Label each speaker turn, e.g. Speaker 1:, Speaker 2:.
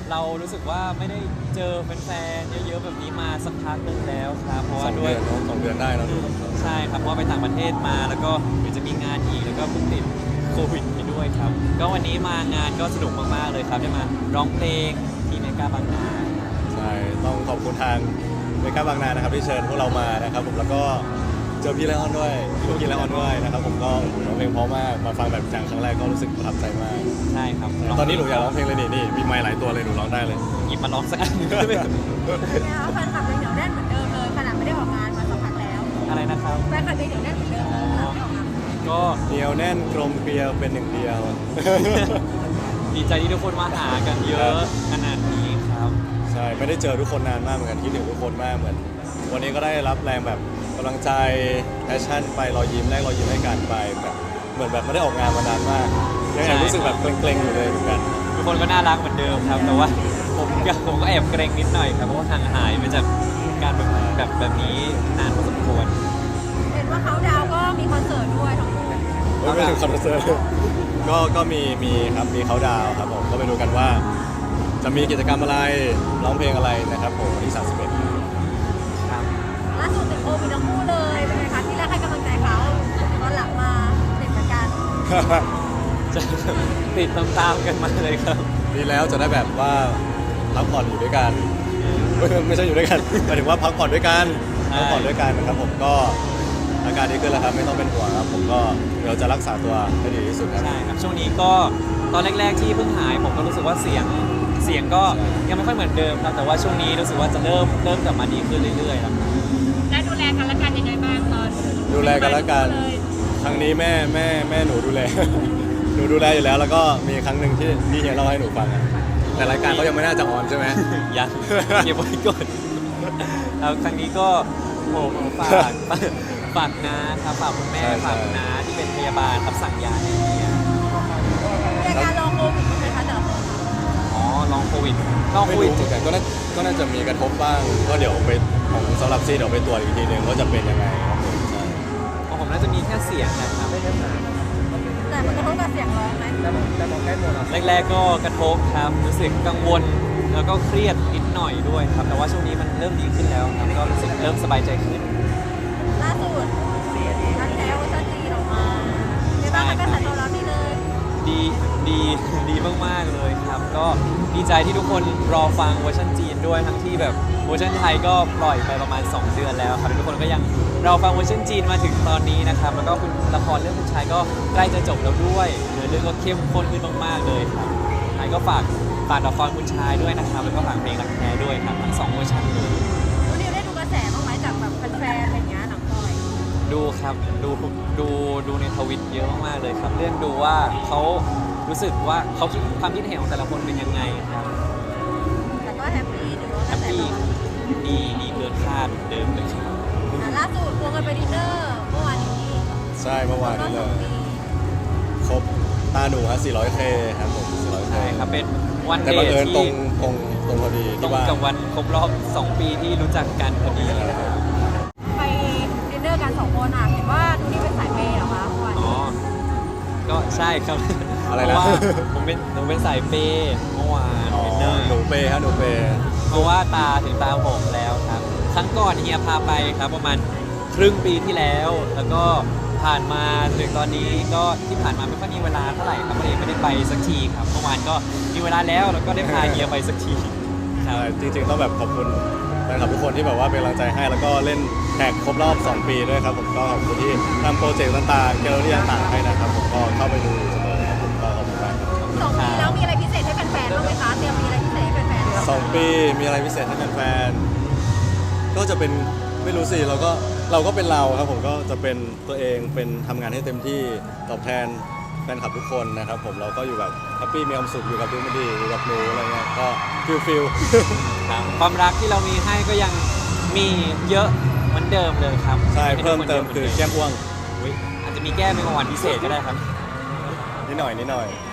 Speaker 1: เรารู้สึกว่าไม่ได้เจอแฟนๆเยอะๆแบบนี้มาสักพักหนึ่งแล้วครับเพราะ
Speaker 2: ส
Speaker 1: ว่า
Speaker 2: อง
Speaker 1: ด้
Speaker 2: เดื
Speaker 1: วย
Speaker 2: อนเนาะ2 เดือนได้แล้วดู
Speaker 1: ใช่ครับเพราะว่าไปต่างประเทศมาแล้วก็เดี๋ยวจะมีงานอีกแล้วก็เพิ่งติดโควิดไปด้วยครับก็วันนี้มางานก็สนุกมากๆเลยครับได้มาร้องเพลงที่เมกาบางนา
Speaker 2: ใช่ต้องขอบคุณทางเมกาบางนานะครับที่เชิญพวกเรามานะครับผมแล้วก็เจอพี่ไลออนด้วยพี่ไลออนด้วยนะครับผมก็ร้องเพลงเพราะมากมาฟังแบบจังครั้งแรกก็รู้สึกประทับใจมาก
Speaker 1: ใช่ครับ
Speaker 2: ตอนนี้หนูอยากร้องเพลงเลยนี่มีไมค์หลายตัวเลยหนูร้องได้เลย
Speaker 1: หยิบมาร้องสักอันหนึ่งได้ไหมครับ
Speaker 3: เนี่ยแฟนคลับยังเหนียวแน่นเหมือนเดิมเลยขนาดไม่ได้ออกงานมาสักพักแล้ว
Speaker 1: อะไรนะครับ
Speaker 3: แฟนคลับยังเหนียวแน่นเหมือนเดิมเลยขนาดไม่ออกงาน
Speaker 1: ก็
Speaker 2: เหนียวแน่นกลมเกลียวเป็นหนึ่งเดียว
Speaker 1: ดีใจที่ทุกคนมาหากันเยอะขนาดนี้ครับ
Speaker 2: ใช่ไม่ได้เจอทุกคนนานมากเหมือนกันคิดถึงทุกคนมากเหมือน วันนี้ก็ได้รับแรงแบบกำลังใจแพชชั่นไปรอยยิ้มแรกรอยยิ้มให้กันไปแบบเหมือนแบบไม่ได้ออกงานมานานมากยังแอบรู้สึกแบบเกรงๆอยู่เลยเหมือนกัน
Speaker 1: ทุกคนก็น่ารักเหมือนเดิมครับ แต่ว่าผมก็แอบเกรงนิดหน่อยครับเพราะว่าห่างหายไปจากการแบบนี้นานพอสมควร
Speaker 3: เห็นว่าเขาดาวก็มีคอนเสิร์ตด้วยทั้งคู่
Speaker 2: ไม่ถึงคอนเสิร์ตก็มีครับมีเขาดาวน์ครับผมก็ไปดูกันว่า จะมีกิจกรรมอะไรร้องเพลงอะไรนะครับผมวันที่31ครับ
Speaker 1: ครับ
Speaker 3: ล่าสุดติดโควิดทั้งคู่เลยเป็นไงคะที่แรกให้กำลังใจเขาตอนหลังมาติดเหมือนกัน
Speaker 1: จะติดตามๆกันมาเลยครับ
Speaker 2: ดีแล้วจะได้แบบว่าพักผ่อนอยู่ด้วยกันไม่ใช่อยู่ด้วยกันหมายถึงว่าพักผ่อนด้วยกัน
Speaker 1: ใช่
Speaker 2: พักผ่อนด้วยกันนะครับผมก็อาการดีขึ้นแล้วครับไม่ต้องเป็นห่วงครับผมก็เดี๋ยวจะรักษาตัวให้ดีที่สุดครับ
Speaker 1: ใช่ครับช่วงนี้ก็ตอนแรกๆที่เพิ่งหายผมก็รู้สึกว่าเสียงก็ยังไม่ค่อยเหมือนเดิมครับแต่ว่าช่วงนี้รู้สึกว่าจะเริ่มกลับมาดีขึ้นเรื่อยๆแล้วครับ
Speaker 3: ได้ดูแลกันและกันยังไงบ้างตอน
Speaker 2: ดูแลกันแล้วกันครั้งนี้แม่หนูดูแล หนูดูแลอยู่แล้วแล้วก็มีครั้งหนึ่งที่เฮียเล่าให้หนูฟังอะแต่รายการเขายังไม่น่าจะออนใช่ไหม
Speaker 1: ยัง เก็บไว้ก่อนแล้วครั้งนี้ก็ผมฝากนะครับฝากคุณแม่
Speaker 2: ใช่
Speaker 1: ฝากน้าที่เป็นพยาบาลครับสั่งยาให้เมีย
Speaker 3: มีอาการลองโควิดไหมคะแต่ละคน
Speaker 1: อ๋อลองโควิด
Speaker 2: ไม่รู้เหมือนกันก็น่าจะมีกระทบบ้างก็เดี๋ยวไปของสำหรับซีเดี๋ยวไปตรวจอีกทีหนึ่งว่าจะเป็นยังไงครับผมใช่
Speaker 1: ของผมน่าจะมีแค่เสียงนะครับ
Speaker 3: แต่มันกระทบกับเสียงร้องไหม
Speaker 1: แรกๆก็กระทบครับรู้สึกกังวลแล้วก็เครียดนิดหน่อยด้วยครับแต่ว่าช่วงนี้มันเริ่มดีขึ้นแล้วครับก็รู้สึกเริ่มสบายใจขึ้น
Speaker 3: ล่าสุดนักแท้เวอร์ชันจีนออกมาในบ้านมันก็สั่นตอบรับดีเลย
Speaker 1: ดีดีมากๆเลยครับ ก็ดีใจที่ทุกคนรอฟังเวอร์ชันจีนด้วยทั้งที่แบบเวอร์ชันไทยก็ปล่อยไปประมาณ 2 เดือนแล้วครับทุกคนก็ยังรอฟังเวอร์ชันจีนมาถึงตอนนี้นะครับแล้วก็คุณละครเรื่องคุณชายก็ใกล้จะจบแล้วด้วยเนื้อเรื่องก็เข้มข้นขึ้นมากๆเลยครับไทยก็ฝากละครคุณชายด้วยนะครับแล้วก็ฝากเพลงรักแท้ด้วยครับทั้ง2เวอร์ชันเลย
Speaker 3: วันนี้ได้ดูกระแสบ้างไหมจากแบบแฟนๆอะไรอย่างเงี้ยหนังปล่อย
Speaker 1: ดูครับดูในทวิตเยอะมากๆเลยครับเรื่องดูว่าเขารู้สึกว่าเขาคิดความคิดเห็นของแต่ละคนเป็นยังไงครับ
Speaker 3: แต่ก็แฮปปี้ถือว่าก
Speaker 1: แฮ
Speaker 3: ระ
Speaker 1: ป
Speaker 3: แส
Speaker 1: ปี้
Speaker 3: ตอบรับ
Speaker 1: ดีเกินคาดเหมือนเดิมเลยครับ
Speaker 3: ล่าสุดควงกันไปดินเนอร์เมื่อวานนี้
Speaker 2: ใช่เมื่อวาน
Speaker 3: ก็
Speaker 2: นี้
Speaker 3: ส
Speaker 2: เล
Speaker 3: อง
Speaker 2: ย
Speaker 3: ปี
Speaker 2: ครบตาหนูฮะ 400K ครับผม 400K
Speaker 1: ใช่ครับเป็นวัน
Speaker 2: แต่
Speaker 1: เด
Speaker 2: บัง
Speaker 1: ท
Speaker 2: เอิญตร
Speaker 1: ที่
Speaker 2: งพอดี
Speaker 1: ตร
Speaker 2: ที่
Speaker 1: ง
Speaker 2: ว่า
Speaker 1: กับวันครบรอบ 2 ปีที่รู้จักกันพอดีครับ
Speaker 3: ไปดินเนอร์กัน2คนอ่ะเห็นว่าดูนี่เป็นสายเปย์เหรอคะเมื่อวาน
Speaker 1: อ๋อ ก็ใช่ครับ
Speaker 2: อะไร
Speaker 1: เพ
Speaker 2: นะ
Speaker 1: ราะว่าผมเป็นสายเปย์เมื่อวาน
Speaker 2: อ๋อ
Speaker 1: ดินเนอร์
Speaker 2: หนูเปย์ฮะหนูเปย์
Speaker 1: เพราะว่าตาถึงตาผมแล้วครับ ครั้งก่อนเฮียพาไปครับประมาณครึ่งปีที่แล้ว แล้วก็ผ่านมาถึงตอนนี้ก็ที่ผ่านมาไม่ค่อยมีเวลาเท่าไหร่ครับก็เลยไม่ได้ไปสักทีครับเมื่อวานก็มีเวลาแล้วแล้วก็ได้พาเฮียไปสักทีครับ
Speaker 2: ใช่จริงๆต้องแบบขอบคุณแฟนคลับทุกคนที่แบบว่าเป็นกำลังใจให้แล้วก็เล่นแท็กครบรอบ 2 ปีด้วยครับผมก็ขอบคุณที่ทำโปรเจกต์ต่างๆเกลเลอรี่ต่างๆให้นะครับผมก็เข้าไปดูเสมอครับผมก็ขอบคุณมากครับ
Speaker 3: 2 ปีแล้วมีอะไรพิเศษให้แฟนๆบ้างไหมคะเตรียมมีอะไรพิเศษให้แฟนๆ
Speaker 2: 2 ปีมีอะไรพิเศษให้แฟนๆก็จะเป็นไม่รู้สิเราก็เป็นเราครับผมก็จะเป็นตัวเองเป็นทำงานให้เต็มที่ตอบแทนแฟนคลับทุกคนนะครับผมเราก็อยู่แบบแฮปปี้มีความสุขอยู่กับดูมันดีอยู่กับหนูอะไรเงี้ยก็ฟิล
Speaker 1: ครับความรักที่เรามีให้ก็ยังมีเยอะเหมือนเดิมเลยครับ
Speaker 2: ใช่เพิ่มเติมคือแก้มอ้วง
Speaker 1: อุ๊ยอาจจะมีแก้มเป็นของวันพิเศษก็ได้ครับ
Speaker 2: นิดหน่อย